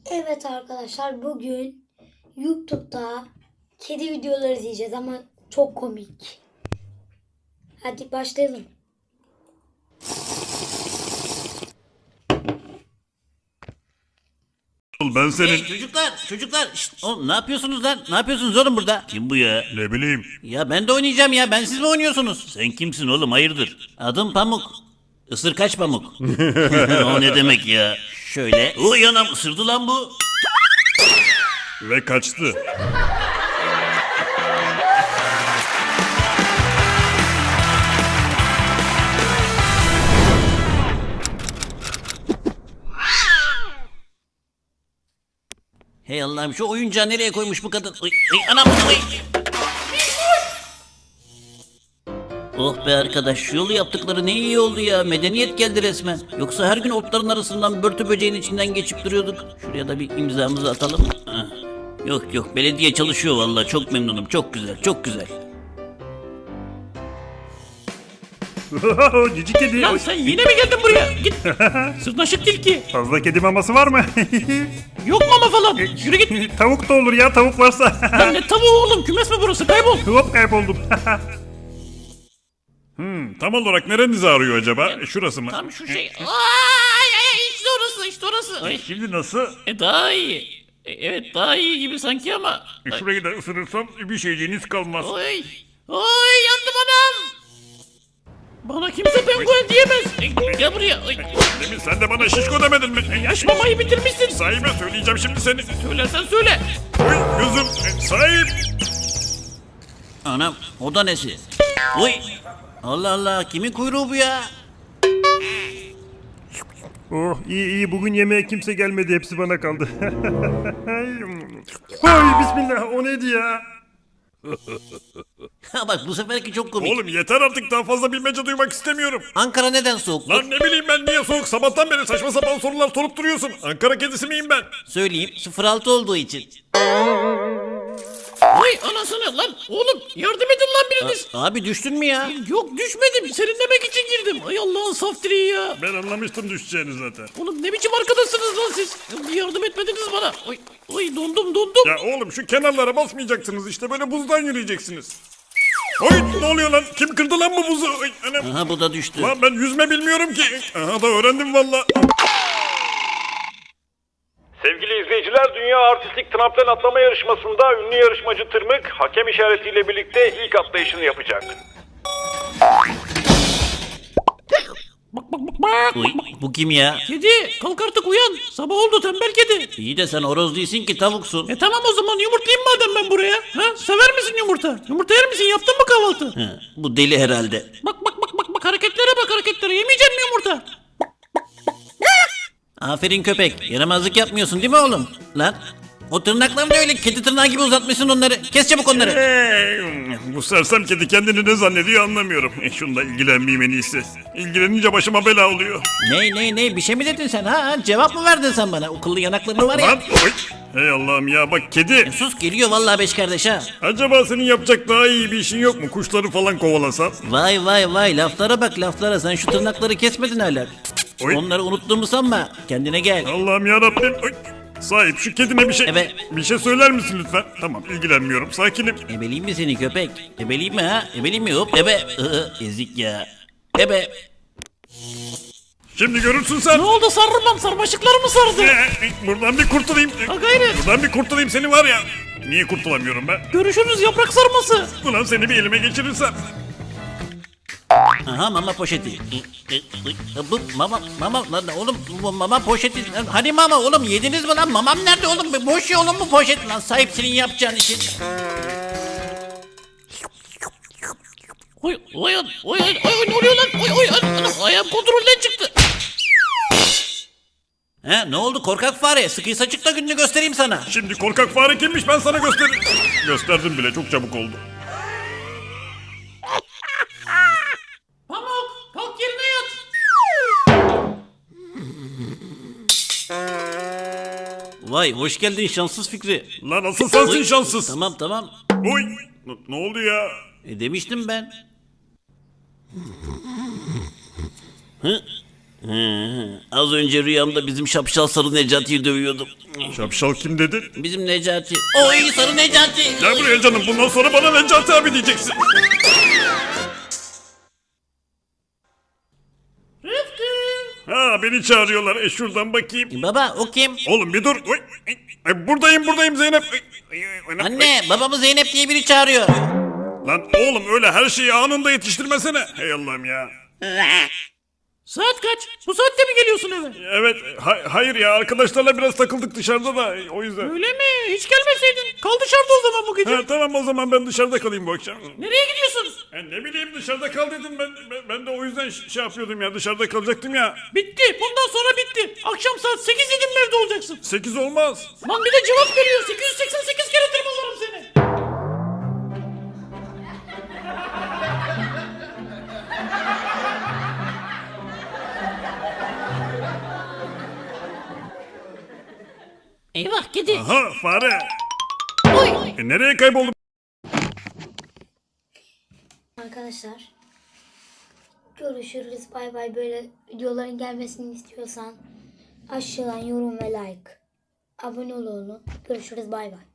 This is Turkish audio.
Evet arkadaşlar, bugün YouTube'da kedi videoları izleyeceğiz ama çok komik. Hadi başlayalım. Ben senin... Hey çocuklar, şşt, oğlum ne yapıyorsunuz lan? Ne yapıyorsunuz oğlum burada? Kim bu ya? Ne bileyim. Ya ben de oynayacağım ya, ben siz mi oynuyorsunuz? Sen kimsin oğlum, hayırdır? Adım Pamuk. Isır kaç Pamuk? O ne demek ya? Şöyle. Uy anam, ısırdı lan bu. Ve kaçtı. Hey Allah'ım, şu oyuncağı nereye koymuş bu kadın? Uy, anam uy. Oh be arkadaş, şu yolu yaptıkları ne iyi oldu ya. Medeniyet geldi resmen. Yoksa her gün otların arasından börtü böceğin içinden geçip duruyorduk. Şuraya da bir imzamızı atalım. Heh. Yok, belediye çalışıyor vallahi, çok memnunum. Çok güzel, çok güzel. Cici kedi. Lan sen yine mi geldin buraya? Git. Sırnaşık tilki. Fazla kedi maması var mı? Yok mama falan. Yürü git. Tavuk da olur ya, tavuk varsa. Lan ne tavuğu oğlum? Kümes mi burası? Kaybol. Hop, kayboldum. Tam olarak nerenizi ağrıyor acaba? Şurası mı? Tam şu şey. Ay, işte orası. Ay. Şimdi nasıl? Daha iyi. Evet, daha iyi gibi sanki ama. Ay. Şurayı da ısırırsam bir şeyciğiniz kalmaz. Oy, yandım anam. Bana kimse penguen diyemez. Gel buraya. Ay. Demin sen de bana şişko demedin mi? Yaş mamayı bitirmişsin. Sahibe söyleyeceğim şimdi seni. Söylersen söyle. Oy gözüm. Sahip. Anam, o da nesi? Uy. Allah Allah, kimin kuyruğu bu ya? Oh iyi bugün yemeğe kimse gelmedi, hepsi bana kaldı. Ay bismillah, o neydi ya? Ha bak, bu seferki çok komik. Oğlum yeter artık, daha fazla bilmece duymak istemiyorum. Ankara neden soğuk? Lan ne bileyim ben niye soğuk, sabahtan beri saçma sapan sorular sorup duruyorsun. Ankara kedisi miyim ben? Söyleyeyim, 06 olduğu için. Vay anasını lan. Oğlum yardım edin lan biriniz. Abi düştün mü ya? Yok, düşmedim. Serinlemek için girdim. Ay Allah'ın saf direği ya. Ben anlamıştım düşeceğini zaten. Oğlum ne biçim arkadaşsınız lan siz? Bir yardım etmediniz bana. Oy dondum. Ya oğlum şu kenarlara basmayacaksınız, işte böyle buzdan yürüyeceksiniz. Oy ne oluyor lan, kim kırdı lan bu buzu? Oy, anam. Aha, bu da düştü. Lan ben yüzme bilmiyorum ki. Aha da öğrendim valla. Sevgili izleyiciler, Dünya Artistlik Tramplen Atlama Yarışması'nda ünlü yarışmacı Tırmık hakem işaretiyle birlikte ilk atlayışını yapacak. Bak. Uy, bu kim ya? Kedi kalk artık, uyan. Sabah oldu tembel kedi. İyi de sen horoz değilsin ki, tavuksun. Tamam o zaman yumurtlayayım madem ben buraya. Ha? Sever misin yumurta? Yumurta yer misin? Yaptın mı kahvaltı? Ha, bu deli herhalde. Bak hareketlere. Yemeyecek mi yumurta? Aferin köpek. Yaramazlık yapmıyorsun değil mi oğlum? Lan, o tırnaklarını da öyle kedi tırnağı gibi uzatmışsın onları. Kes çabuk onları. Bu sersem kedi kendini ne zannediyor anlamıyorum. Şununla ilgilenmeyeyim en iyisi. İlgilenince başıma bela oluyor. Ne bir şey mi dedin sen ha? Cevap mı verdin sen bana? O kıllı yanakların var ya. Lan oy. Hey Allah'ım ya, bak kedi. Sus, geliyor vallahi beş kardeş ha. Acaba senin yapacak daha iyi bir işin yok mu? Kuşları falan kovalasan. Vay laflara bak laflara. Sen şu tırnakları kesmedin hala. Oy. Onları unuttuğumu sanma. Kendine gel. Allah'ım ya Rabbim. Sahip şu kedime bir şey Evet. bir şey söyler misin lütfen? Tamam, ilgilenmiyorum. Sakinim. Ebeleyim mi seni köpek? Ebeleyim mi ha? Ebeleyim mi? Hop ebe. Ezik ya. Ebe. Şimdi görürsün sen. Ne oldu, sarılmam, sarmaşıklar mı sardı? Buradan bir kurtulayım. Ha gayret. Buradan bir kurtulayım seni var ya. Niye kurtulamıyorum ben? Görüşürüz yaprak sarması. Ulan seni bir elime geçirirsem. Aha, mama poşeti. Bu mama lan oğlum, bu mama poşeti. Hani mama oğlum, yediniz mi lan? Mamam nerede oğlum? Boş ya oğlum bu poşet lan. Sahip senin yapacağın için. Oy ne oluyor lan? Anam, ayağım kontrolden çıktı. He, ne oldu korkak fare? Sıkıysa çık da gününü göstereyim sana. Şimdi korkak fare kimmiş ben sana gösteririm. Gösterdim bile, çok çabuk oldu. Pamuk kalk yerine yat. Vay, hoş geldin şanssız Fikri. Lan asıl sensin şanssız. Tamam. Oy. Ne oldu ya? Demiştim ben. Hı? Az önce rüyamda bizim şapşal sarı Necati'yi dövüyordum. Şapşal kim dedin? Bizim Necati. Oy sarı Necati. Gel buraya canım, bundan sonra bana Necati abi diyeceksin. Rıfkı. Ha, beni çağırıyorlar. Şuradan bakayım. Baba o kim? Oğlum bir dur. Oy, buradayım Zeynep. Anne babamı Zeynep diye biri çağırıyor. Lan oğlum, öyle her şeyi anında yetiştirmesene. Hey Allah'ım ya. Saat kaç? Bu saatte mi geliyorsun eve? Evet, hayır ya, arkadaşlarla biraz takıldık dışarıda da, o yüzden. Öyle mi? Hiç gelmeseydin. Kal dışarıda o zaman bu gece. Ha, tamam, o zaman ben dışarıda kalayım bu akşam. Nereye gidiyorsun? Ne bileyim, dışarıda kal dedim, ben de o yüzden şey yapıyordum ya, dışarıda kalacaktım ya. Bitti. Bundan sonra bitti. Akşam saat 8 dedim mi evde olacaksın? 8 olmaz. Lan bir de cevap veriyor. 888 kere tırmalarım seni. Eyvah kedi. Aha, fare. Nereye kayboldu? Arkadaşlar görüşürüz. Bay bay. Böyle videoların gelmesini istiyorsan aşağıdan yorum ve like. Abone ol oğlum. Görüşürüz. Bay bay.